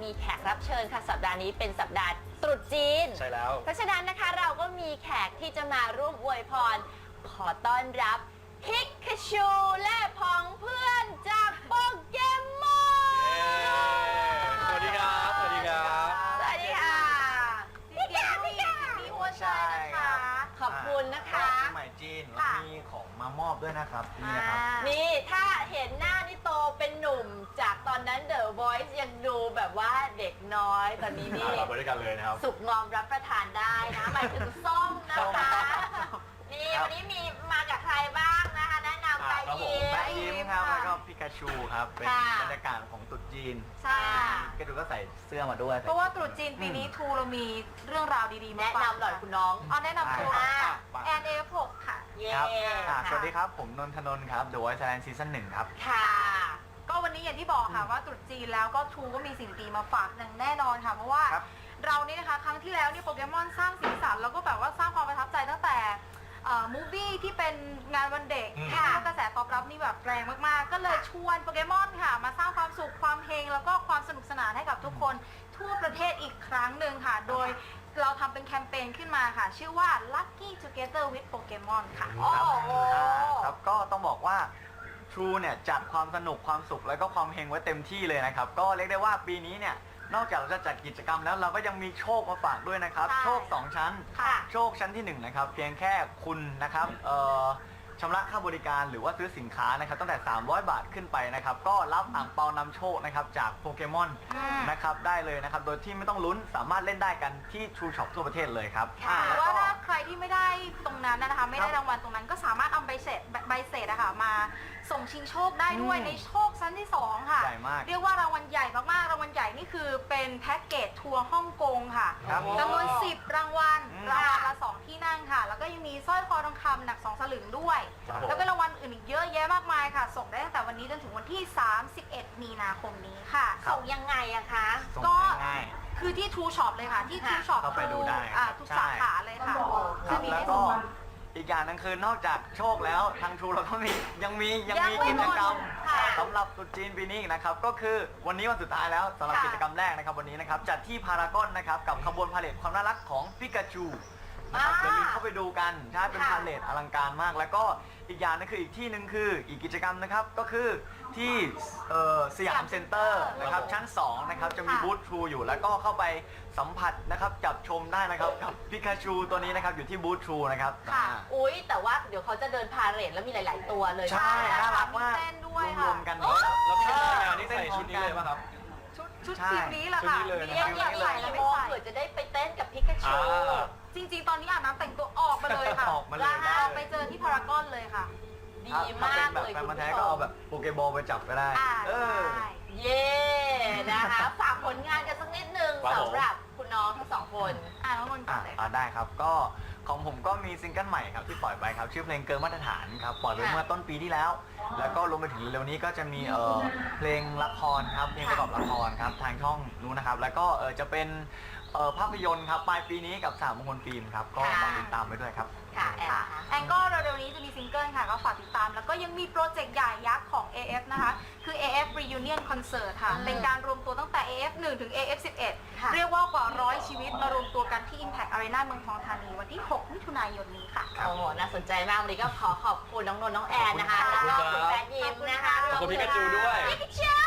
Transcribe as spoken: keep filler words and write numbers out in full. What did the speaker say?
มีแขกรับเชิญค่ะสัปดาห์นี้เป็นสัปดาห์ตรุษจีนใช่แล้วเพราะฉะนั้นนะคะเราก็มีแขกที่จะมาร่วมอวยพรขอต้อนรับพิกาชูและพ้องเพื่อนจากโปเกมอนสวัสดีครับสวัสดีครับสวัสดีค่ะพี่กาพี่กาพี่อ้วนใช่นะคะขอบคุณนะคะปีใหม่จีนเรามีของมามอบด้วยนะครับนี่นะครับนี่ถ้าเห็นหน้านี่โตเป็นหนุ่มจากตอนนั้น The Voice ยังดูแบบว่าเด็กน้อยตอนนี้นี่เราไปด้วยกันเลยนะครับสุกงอมรับประทานได้นะหมายถึงส้มนะคะนี่วันนี้มีมากับใครบ้างนะคะแนะนำไปยิ้มแปะยิ้มครับแล้วก็พิกาชูครับเป็นบรรยากาศของตรุษจีนใช่ก็ดูก็ใส่เสื้อมาด้วยเพราะว่าตรุษจีนปีนี้ทูเรามีเรื่องราวดีๆมาแนะฝากนำหน่อยคุณน้องอ๋อแนะนำตัวแอนเอฟหกค่ะเย้ครับสวัสดีครับผมนนทนนท์ครับ The Voice Thailand Season หนึ่งครับค่ะก็วันนี้อย่างที่บอกค่ะว่าตรุษจีนแล้วก็ทูก็มีสิ่งดีมาฝากอย่างแน่นอนค่ะเพราะว่าเรานี่นะคะครั้งที่แล้วนี่โปเกมอนสร้างสีสันแล้วก็แบบว่าสร้างความประทับใจตั้งแต่มูฟวี่ที่เป็นงานวันเด็กค่ะกระแสตอบรับนี่แบบแรงมากๆก็เลยชวนโปเกมอนค่ะมาสร้างความสุขความเฮงแล้วก็ความสนุกสนานให้กับทุกคนทั่วประเทศอีกครั้งหนึ่งค่ะโดยเราทำเป็นแคมเปญขึ้นมาค่ะชื่อว่า Lucky Together with Pokemon ค่ะครับก็ต้องบอกว่า True เนี่ยจัดความสนุกความสุขแล้วก็ความเฮงไว้เต็มที่เลยนะครับก็เรียกได้ว่าปีนี้เนี่ยนอกจากเราจะจัดกิจกรรมแล้วเราก็ยังมีโชคมาฝากด้วยนะครับโชคสองชั้นโชคชั้นที่หนึ่งนะครับเพียงแค่คุณนะครับเอ่อชำระค่าบริการหรือว่าซื้อสินค้านะครับตั้งแต่สามร้อยบาทขึ้นไปนะครับก็รับอ่างเปานำโชคนะครับจากโปเกมอนนะครับได้เลยนะครับโดยที่ไม่ต้องลุ้นสามารถเล่นได้กันที่ True Shop ทั่วประเทศเลยครับหรือว่าถ้าใครที่ไม่ได้ตรงนั้นนะคะไม่ได้รางวัลตรงนั้นก็สามารถเอาใบเสร็จใบเสร็จอะค่ะมาส่งชิงโชคได้ด้วยในโชคชั้นที่สองค่ะใหญ่มากเรียกว่ารางวัลใหญ่มากๆรางวัลใหญ่นี่คือเป็นแพ็กเกจทัวร์ฮ่องกงค่ะจำนวนสิบรางวัลรางวัลละสองที่นั่งค่ะแล้วก็ยังมีสร้อยคอทองคำหนักสองสลึงด้วยแล้วก็รางวัลอื่นอีกเยอะแยะมากมายค่ะส่งได้ตั้งแต่วันนี้จนถึงวันที่สามสิบเอ็ดมีนาคมนี้ค่ะส่งยังไงอะคะก็คือที่ True Shop เลยค่ะที่ True Shop เข้าไปดูได้ทุกสาขาเลยค่ะจะมีแล้วก็อีกอย่างนึงคือนอกจากโชคแล้วทาง True เราก็มียังมียังมีกิจกรรมสำหรับตรุษจีนปีนี้นะครับก็คือวันนี้วันสุดท้ายแล้วสำหรับกิจกรรมแรกนะครับวันนี้นะครับจัดที่พารากอนนะครับกับขบวนพาเลทความน่ารักของปิกาจูนะครับอย่าลืมเข้าไปดูกันใช่เป็นพาเลทอลังการมากแล้วก็อีกอย่างนึงคืออีกที่หนึ่งคืออีกกิจกรรมนะครับก็คือที่สยามเซ็นเตอร์นะครับชั้นสองนะครับจะมีบูธ True อยู่แล้วก็เข้าไปสัมผัสนะครับจับชมได้นะครับกับปิกาจูตัวนี้นะครับอยู่ที่บูธ True นะครับค่ะอุ้ยแต่ว่าเดี๋ยวเขาจะเดินพาเหรดแล้วมีหลายๆตัวเลยใช่น่ารักมากรวมกันแล้วพี่งานนี่ใส่ชุดนี้เลยป่ะครับชุดทีมนี้แหละค่ะเรียกอยากใส่แล้วเผื่อจะได้ไปเต้นกับพิกาชูจริงๆตอนนี้อาบน้ำแต่งตัวออกมาเลยค่ะออกมาเลยไปเจอที่พารากอนเลยค่ะดีมากเลยคุณผู้ชมแฟนมาแท้ก็เอาแบบโปเกบอลไปจับก็ได้เออเย่นะคะฝากผลงานกันสักนิดนึงสำหรับคุณน้องทั้งสองคนอ่าน้องนนท์ก่อนเลยอ่าได้ครับก็ของผมก็มีซิงเกิลใหม่ครับที่ปล่อยไปครับชื่อเพลงเกินมาตรฐานครับปล่อยไปเมื่อต้นปีที่แล้วแล้วก็รวมไปถึงเร็วนี้ก็จะมีเอ่อเพลงละครครับเพลงประกอบละครครับทางช่องนู้นนะครับแล้วก็เออจะเป็นภาพยนตร์ครับปลายปีนี้กับสามมงคลฟิล์มครับก็ฝากติดตามไปด้วยครับค่ะแอนก็เร็วๆนี้จะมีซิงเกิลค่ะก็ฝากติดตามแล้วก็ยังมีโปรเจกต์ใหญ่ยักษ์ของ เอ เอฟ นะคะคือ เอ เอฟ Reunion Concert ค่ะเป็นการรวมตัวตั้งแต่ เอ เอฟ หนึ่ง ถึง เอ เอฟ สิบเอ็ด เรียกว่ากว่าร้อยชีวิตมารวมตัวกันที่ Impact Arena เมืองทองธานีวันที่หกมิถุนายนนี้ค่ะโอ้โหน่าสนใจมากวันนี้ก็ขอขอบคุณน้องนนท์น้องแอนนะคะแล้วก็คุณแฟนยิมนะคะขอบคุณพิกาจูด้วยพิกาจู